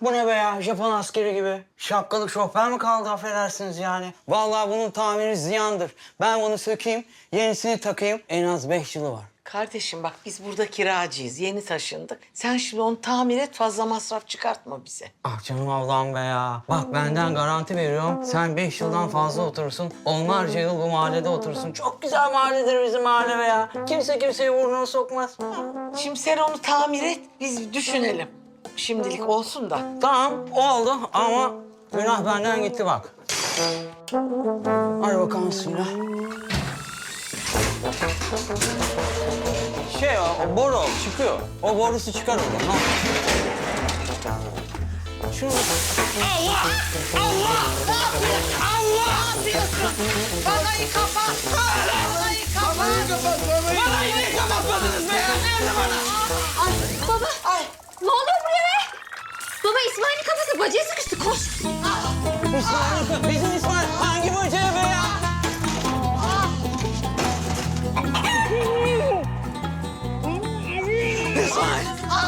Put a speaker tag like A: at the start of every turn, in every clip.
A: Bu ne be ya? Japon askeri gibi. Şapkalık şoför mi kaldı affedersiniz yani? Vallahi bunun tamiri ziyandır. Ben bunu sökeyim, yenisini takayım. En az 5 yılı var.
B: Kardeşim bak biz burada kiracıyız. Yeni taşındık. Sen şimdi onu tamir et, fazla masraf çıkartma bize.
A: Ah canım Allah'ım be ya. Bak benden garanti veriyorum. Sen 5 yıldan fazla oturursun. Onlarca yıl bu mahallede oturursun. Çok güzel mahalledir bizim mahalle be ya. Kimse kimseyi burnuna sokmaz.
B: Şimdi sen onu tamir et, biz düşünelim. Şimdilik olsun da.
A: Tamam oldu ama günah benden gitti bak. Hadi bakalım suyla. O boru çıkıyor. O borusu çıkar oradan. Ha. Şunu...
B: Allah! Allah! Ne yapıyorsun? Allah! Ne yapıyorsun? Balayı kapat! Balayı kapat! Balayı niye kapatmadınız be? Nerede bana?
C: Ay baba.
B: Ay!
C: Ne oluyor buraya be? Baba İsmail'in kafası bacaya sıkıştı. Koş.
A: İsmail, bizim İsmail hangi böceği be ya? İsmail!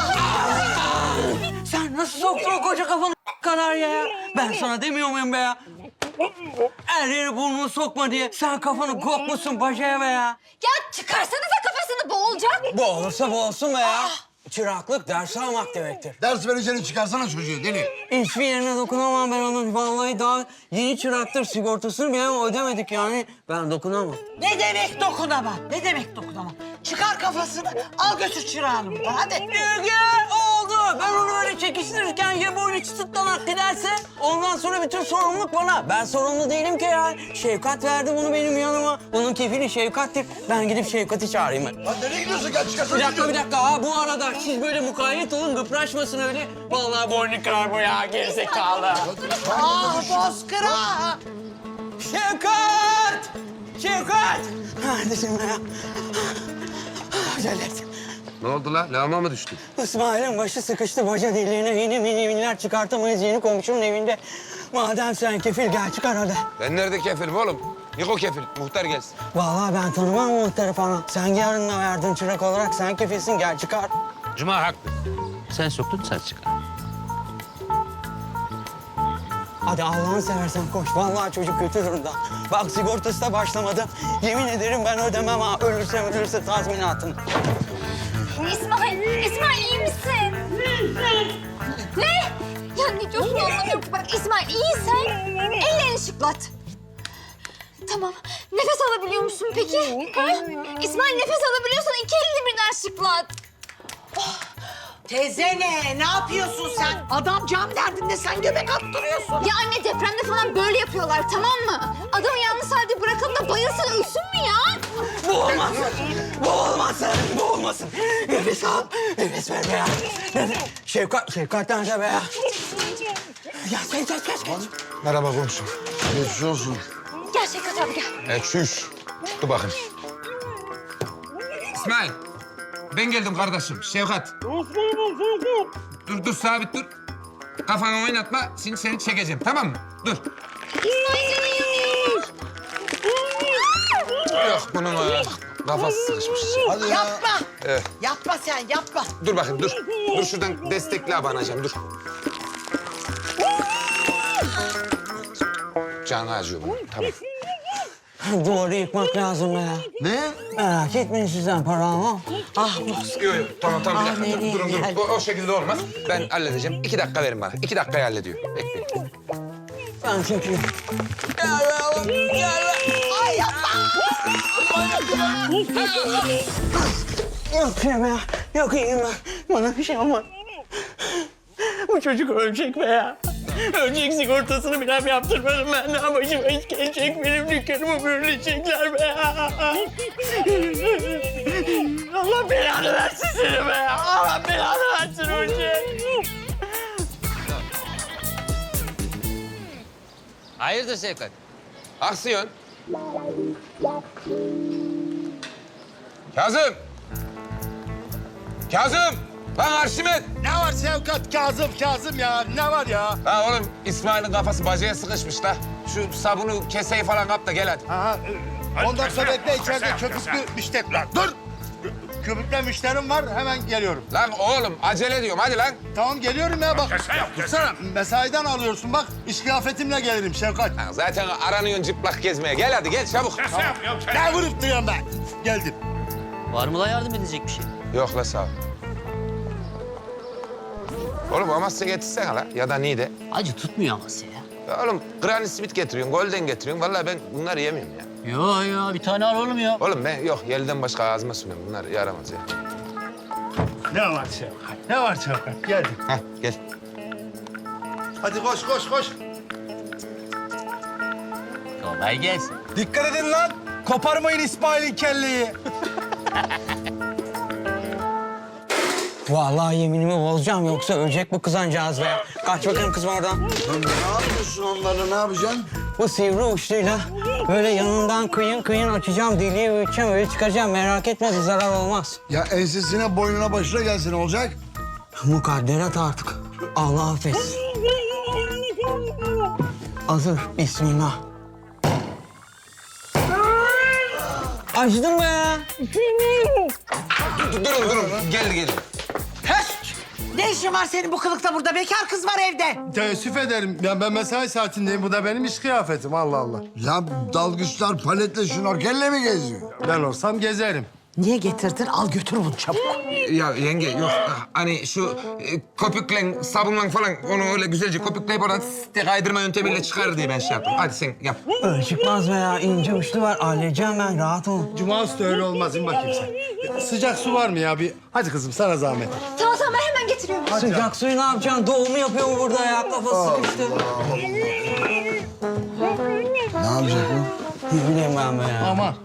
A: Sen nasıl soktun o koca kafanı kadar ya? Ben sana demiyor muyum be ya? Her yere burnunu sokma diye. Sen kafanı kokmuşsun bacaya be ya.
C: Ya çıkarsanıza kafasını boğulacak.
A: Boğulursa boğulsun be ya. Çıraklık ders almak demektir.
D: Ders vereceğini çıkarsana çocuğu deli.
A: Hiçbir yerine dokunamam ben onun. Vallahi daha yeni çıraktır. Sigortasını bile ödemedik yani. Ben dokunamam.
B: Ne demek dokunamam? Ne demek dokunamam? Çıkar kafasını, al götür çırağını buradan. Hadi.
A: Gel oldu. Ben onu böyle çekiştirirken ya boynu çıtlanak giderse ondan sonra bütün sorumluluk bana. Ben sorumlu değilim ki ya. Şefkat verdi bunu benim yanıma. Bunun kefili Şefkat'tir. Ben gidip Şefkat'i çağırayım ben.
D: Lan nereye gidiyorsun? Gel çıkarsana
A: Bir dakika
D: çocuğu.
A: bir dakika. Ha, bu arada siz böyle mukayyet olun gıpraşmasın öyle. Vallahi boynu kırar bu ya gerizekalı.
B: Ah bozkıra!
A: Şefkat! Şefkat! Neredesin be ya? Acele et.
E: Ne oldu la? Lağma mı düştü?
A: İsmail'in başı sıkıştı baca deliğine. Yeni mini çıkartamayız yeni komşunun evinde. Madem sen kefil gel çıkar hadi.
E: Ben nerede kefilim oğlum? Niko kefil. Muhtar gelsin.
A: Vallahi ben tanımam muhtarı falan. Sen yarınla verdin çırak olarak sen kefilsin gel çıkar.
F: Cuma haklı. Sen soktun sen çıkar.
A: Hadi Allah'ını seversen koş. Vallahi çocuk kötü durumda. Bak sigortası da başlamadı. Yemin ederim ben ödemem ha. Ölürse tazminatını.
C: İsmail iyi misin? Ne? Ya ne diyorsun anlamıyorum ki. Bak İsmail iyiysen ellerini şıklat. Tamam. Nefes alabiliyor musun peki? Ha? İsmail nefes alabiliyorsan iki elini birden şıklat.
B: Teyze ne yapıyorsun sen? Adam can derdinde, sen göbek attırıyorsun.
C: Ya anne depremde falan böyle yapıyorlar tamam mı? Adamı yalnız halde bırakalım da bayılsın ölsün mü ya?
A: Bu olmasın. Bu olmasın. Bu olmasın. Nefes al. Nefes ver be ya. Şefkat nerede be ya? Ya geç.
D: Merhaba komşum. Geçmiş olsun.
C: Gel Şevkat abi gel.
E: Çüş. Dur bakayım. İsmail. Ben geldim kardeşim. Şevkat. Dur sabit dur. Kafanı oynatma. Şimdi seni çekeceğim tamam mı? Dur. Yok bunun kafası sıkışmış.
D: Hadi ya.
B: Yapma.
E: Evet.
B: Yapma sen, yapma.
E: Dur bakayım dur. Dur şuradan destekli abanacağım dur. Canı acıyor bunun. Tamam.
A: Duvarı yıkmak lazım be ya.
D: Ne?
A: Merak etmeyin sizden para almam.
B: Ah
E: Yok. Tamam bir dakika.
B: nereye
E: Durun.
B: geldi?
E: O şekilde olmaz. Ben halledeceğim. 2 dakika verin bana. 2 dakikaya hallediyor. Bekleyin.
A: Ben çünkü... Gel be oğlum, gel be.
B: Ay yapma.
A: Yok şey be ya, yok iyiyim ben. Bana bir şey olmaz. Bu çocuk ölecek be ya. Ölecek sigortasını bile yaptırmadım ben. Ne başıma iş gelecek, benim dükkanımı bürülecekler be ya. Allah belanı versin seni be ya. Allah belanı versin ölecek.
F: Hayırdır Şevkat?
E: Aksiyon. Kazım. Lan Arşimet.
D: Ne var Şevkat? Kazım ya. Ne var ya?
E: Ha oğlum İsmail'in kafası bacaya sıkışmış da. Şu sabunu keseyi falan kap da gel hadi.
D: Aha, 10 dakika bekle içeride köpüklü müşteri. Dur! köpükle müşterim var. Hemen geliyorum.
E: Lan oğlum acele ediyorum hadi lan.
D: Tamam geliyorum ya bak. Dursana. Mesaiden alıyorsun bak. İş kıyafetimle gelirim Şevkat.
E: Lan zaten aranıyorsun çıplak gezmeye. Gel hadi gel çabuk.
D: Ne vurup duruyorum ben? Geldim.
G: Var mı la yardım edecek bir şey?
E: Yok la sağ ol. Oğlum Amasya getirsene la ya da Niğde.
G: Acı tutmuyor Amasya ya.
E: Ya oğlum Granny Smith getiriyorsun, Golden getiriyorsun. Vallahi ben bunları yemiyorum ya.
G: Yo bir tane al oğlum ya.
E: Oğlum ben yok yelden başka ağzıma sürmüyorum. Bunlar yaramaz ya.
D: Ne var Şevkat? Ne var Şevkat? Geldim.
E: Hah gel.
D: Hadi koş koş koş.
G: Kolay gelsin.
H: Dikkat edin lan. Koparmayın İsmail'in kelleyi.
A: Vallahi yeminimi bozacağım yoksa ölecek bu kızancağız be. Kaç bakayım kızım oradan.
D: Ne yapıyorsun onları? Ne yapacaksın?
A: Bu sivri uçluyla böyle yanından kıyın açacağım, deliği büyüteceğim, öyle çıkaracağım. Merak etme bir zarar olmaz.
D: Ya ensesine, boynuna, başına gelsin olacak.
A: Mukadderat artık. Allah affetsin. Hazır. Bismillah. Acıdım be.
E: Durun. Geldi.
B: Ne işin var senin bu kılıkta burada? Bekar kız var evde.
D: Teessüf ederim. Ya ben mesai saatindeyim. Bu da benim iş kıyafetim. Allah Allah.
I: Ya dalgıçlar paletle şnorkelle mi geziyor?
D: Ben olsam gezerim.
B: Niye getirdin? Al götür bunu çabuk.
E: Ya yenge yok hani şu köpükle sabunla falan onu öyle güzelce köpükleyip oradan kaydırma yöntemiyle çıkar diye ben şey yaptım. Hadi sen yap.
A: Öyle çıkmaz be ya. İnce uçlu var. Halledeceğim ben. Rahat ol.
D: Cuma üstü öyle olmaz. İn bakayım sen. Sıcak su var mı ya? Bir... Hadi kızım sana zahmet.
C: Tamam ben hemen getiriyorum.
A: Sıcak suyu ne yapacaksın? Doğumu yapıyor mu burada ya? Kafası sıkıştı.
I: Ne yapacak o?
A: Ne bileyim ben be ya.
D: Aman.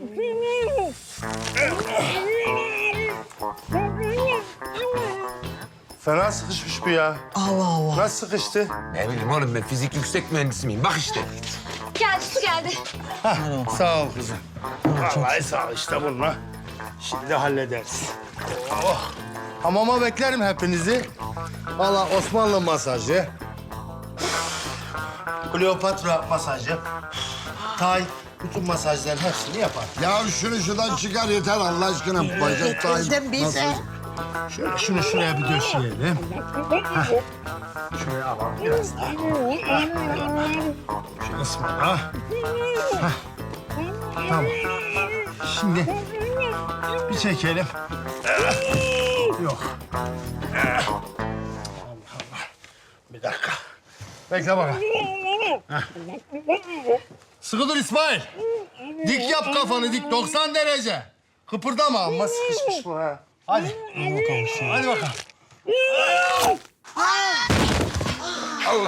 D: Fena sıkışmış bu ya.
A: Allah Allah.
D: Nasıl sıkıştı?
E: Ne bileyim oğlum ben fizik yüksek mühendisi miyim? Bak işte.
C: Geldi su geldi.
D: Sağ ol kızım. Vallahi sağ ol işte bununla. Şimdi hallederiz. Oh. Hamama beklerim hepinizi. Vallahi Osmanlı masajı. Kleopatra masajı. Tay, bütün masajların hepsini yapar.
I: Ya şunu şuradan çıkar yeter Allah aşkına. Bacak
B: Getirdim bize.
D: Şöyle şunu şuraya bir döşeyelim. Hah. Şuraya alalım biraz daha. Şu kısmına. Hah. Tamam. Şimdi bir çekelim. Yok. Allah Allah. Bir dakika. Bekle bakalım. Hah. Sıkı dur İsmail. Dik yap kafanı dik 90 derece. Kıpırdama ama sıkışmış bu ha. Hadi. Hadi bakalım.
E: Allah.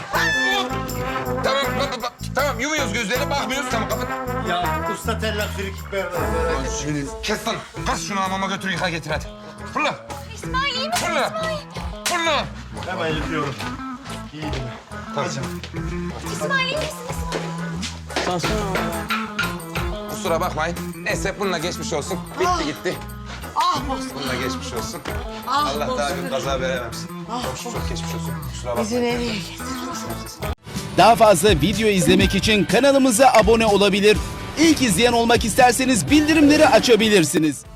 E: Tamam yumuyoruz gözleri bakmıyoruz tamam kapat.
D: Ya usta tellak frikik vermez.
E: Kes lan. Kas şunu hamama götür yıka getir hadi. Fırla.
C: İsmail iyi misin
E: Fırla.
C: İsmail?
E: Fırla.
D: Hemen yıkıyorum. İyi mi?
C: İsmail iyi misin İsmail?
E: Kusura bakmayın. Neyse bununla geçmiş olsun. Bitti gitti.
B: Ah Bozkır.
E: Bununla geçmiş olsun.
B: Ah
E: Allah daha
B: Bozkır.
E: bir kaza verememsin. Çok geçmiş olsun. Kusura bakmayın.
B: Bizi nereye getirdin?
J: Daha fazla video izlemek için kanalımıza abone olabilir. İlk izleyen olmak isterseniz bildirimleri açabilirsiniz.